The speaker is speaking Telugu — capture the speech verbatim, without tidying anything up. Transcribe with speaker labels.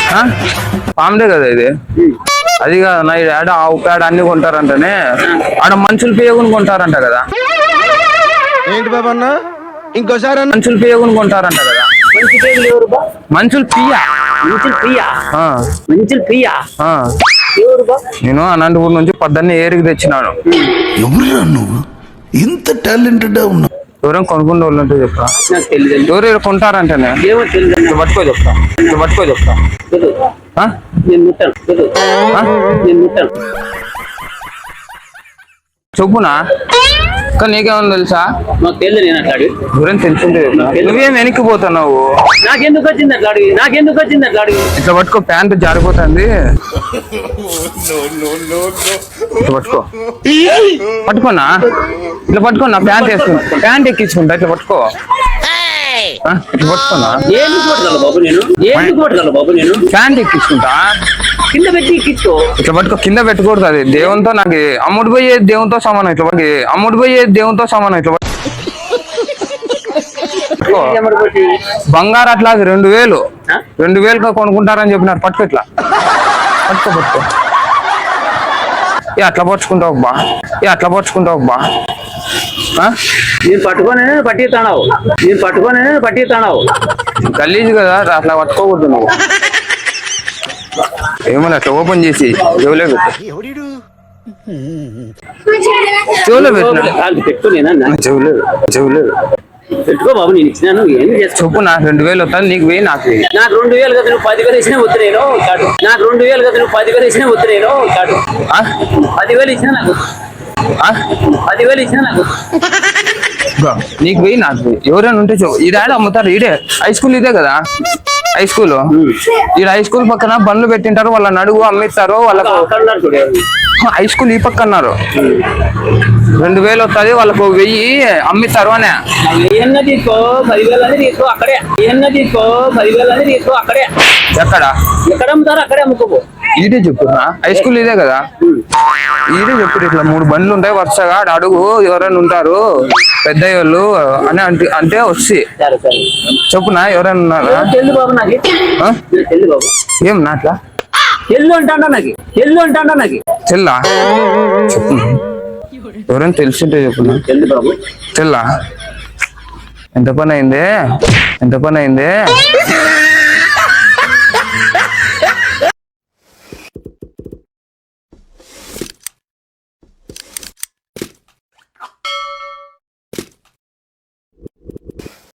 Speaker 1: పాముడే కదా ఇది. అది కాదన్నా ఆడ ఆవు పేడ అన్ని కొంటారంటనే, ఆడ మనుషులు పేగుని కొంటారంట కదా.
Speaker 2: ఏంటి బాబా అన్న ఇంకోసారి
Speaker 1: మనుషులు పేగుని కొంటారంట కదా. మనుషులు పియ్యా
Speaker 3: మంచులు పియ్యా
Speaker 1: ఆ,
Speaker 3: మంచులు పియ్యా
Speaker 1: ఆ.
Speaker 3: ఎవరు బా?
Speaker 1: నేను అనంతపూర్ నుంచి పొద్దున్నే ఏరికి తెచ్చినాను.
Speaker 4: ఎవరురా నువ్వు ఇంత టాలెంటెడ్ ఉన్నావు?
Speaker 1: ఎవరైనా కొనుక్కునే వాళ్ళు ఉంటే చెప్తా.
Speaker 3: నాకు తెలియదు.
Speaker 1: ఎవరు కొంటారంటేనే
Speaker 3: ఏమో తెలియదు.
Speaker 1: ఇట్లా పట్టుకో చెప్తా, ఇట్లా పట్టుకో చెప్తా.
Speaker 3: తెలియదు.
Speaker 1: ఆ?
Speaker 3: నేను ముట్టాను. తెలియదు.
Speaker 1: ఆ?
Speaker 3: నేను ముట్టాను.
Speaker 1: చెప్పునా కానీ నీకేమన్నా తెలుసా?
Speaker 3: నాకు తెలియదు. నేను అట్లా అడిగి
Speaker 1: ఎవరైనా తెలిసిందే చెప్తా. నువ్వేం వెనక్కి పోతున్నావు?
Speaker 3: నాకెందుకు వచ్చింది అట్లా అడిగి నాకెందుకు వచ్చింది అట్లా అడిగి
Speaker 1: ఇట్లా పట్టుకో, ప్యాంట్ జారిపోతుంది. ఇట్లా పట్టుకో, పట్టుకోనా ఇట్లా పట్టుకోనా, ప్యాంట్ వేసుకున్నా, ప్యాంట్ ఎక్కించుకుంటా. ఇట్లా పట్టుకో, ఆ? ఇట్లా పట్టుకోనా,
Speaker 3: ఎందుకు పట్టగల బాబు నేను ఎందుకు పట్టగల బాబు నేను
Speaker 1: ప్యాంట్ ఎక్కించుకుంటా.
Speaker 3: కింద పెట్టి ఎక్కించుకో.
Speaker 1: ఇట్లా పట్టుకో, కింద పెట్టకూడదు. అది దేవునితో నాకు అమ్ముడు పోయే దేవునితో సమానం. ఇట్లా పట్టుకో, అమ్ముడు పోయే దేవునితో సమానం. ఇట్లా పట్టుకో. బంగారు అట్లా అది రెండు వేలు రెండు వేలు కొనుక్కుంటారని చెప్పినారు. పట్టుకో, ఇట్లా పట్టుకో, పట్టుకో. ఏ అట్లా పట్టుకుంటావు బా, ఏ అట్లా పట్టుకుంటావు బా.
Speaker 3: నేను పట్టుకొని పట్టిస్తానావు నేను పట్టుకొని పట్టిస్తానావు
Speaker 1: గలీజ్ కదా, అట్లా పట్టుకోకూడదు నువ్వు. ఏమన్నా అట్లా ఓపెన్ చేసి చెవులే పెట్టు, చెవులో పెట్టినా,
Speaker 3: కాదు పెట్టు. నేనన్నా
Speaker 1: చెవులే చెవులే
Speaker 3: పెట్టుకో బాబు. నేను ఇచ్చినాను ఏం చేస్తావు?
Speaker 1: చెప్పు. నాకు రెండు వేలు వస్తాను, నీకు వెయ్యి, నాకు వెయ్యి.
Speaker 3: నాకు రెండు వేలు కదా నువ్వు పదివేలు ఇచ్చినా వద్దు నేను కాదు. నాకు రెండు వేలు కదా నువ్వు పదివేలు ఇచ్చినా వద్దు నేను కాదు.
Speaker 1: ఆ?
Speaker 3: పదివేలు ఇచ్చినా నాకు
Speaker 1: ఆ?
Speaker 3: పదివేలు ఇచ్చినా నాకు
Speaker 1: ఇగో, నీకు వెయ్యి, నాకు వెయ్యి. ఎవరైనా ఉంటే చెప్పు. ఈ డాడీ అమ్ముతారు. ఈడే హై స్కూల్ ఇదే కదా హై స్కూల్. ఈ హై స్కూల్ పక్కన బండ్లు పెట్టింటారు, వాళ్ళని అడుగు అమ్మిస్తారు. వాళ్ళకు
Speaker 3: అక్కడ ఉన్నారు చూడు.
Speaker 1: హై స్కూల్ ఈ పక్క అన్నారు. రెండు వేలు వస్తుంది, వాళ్ళకు వెయ్యి అమ్మిస్తారు అనే.
Speaker 3: ఏమన్నా తీసుకో పదివేలు అని తీసుకో అక్కడే. ఏమన్నా తీసుకో పదివేలు అని తీసుకో అక్కడే.
Speaker 1: ఎక్కడ
Speaker 3: ఎక్కడ అమ్ముతారో అక్కడే అమ్ముకోబో.
Speaker 1: ఈడే చెప్పురా, హై స్కూల్ ఇదే కదా. ఈడే చెప్పు. ఇట్లా మూడు బండ్లు ఉంటాయి వరుసగా, ఆడ అడుగు ఎవరైనా ఉంటారు పెద్ద వాళ్ళు అని అంటే అంటే వచ్చి
Speaker 3: సరే సరే
Speaker 1: చెప్పునా ఎవరైనా ఉన్నారా?
Speaker 3: తెల్లు బాబు నాకు
Speaker 1: ఆ?
Speaker 3: తెల్లు బాబు.
Speaker 1: ఏం నాట్లా
Speaker 3: తెల్లు అంటాడా నాకు తెల్లు అంటాడా నాకు
Speaker 1: తెల్లా చెప్పు. ఎవరైనా తెలిసింటే చెప్పునా.
Speaker 3: తెల్లు బాబు.
Speaker 1: తెల్లా ఎంత పని అయింది, ఎంత పని అయింది.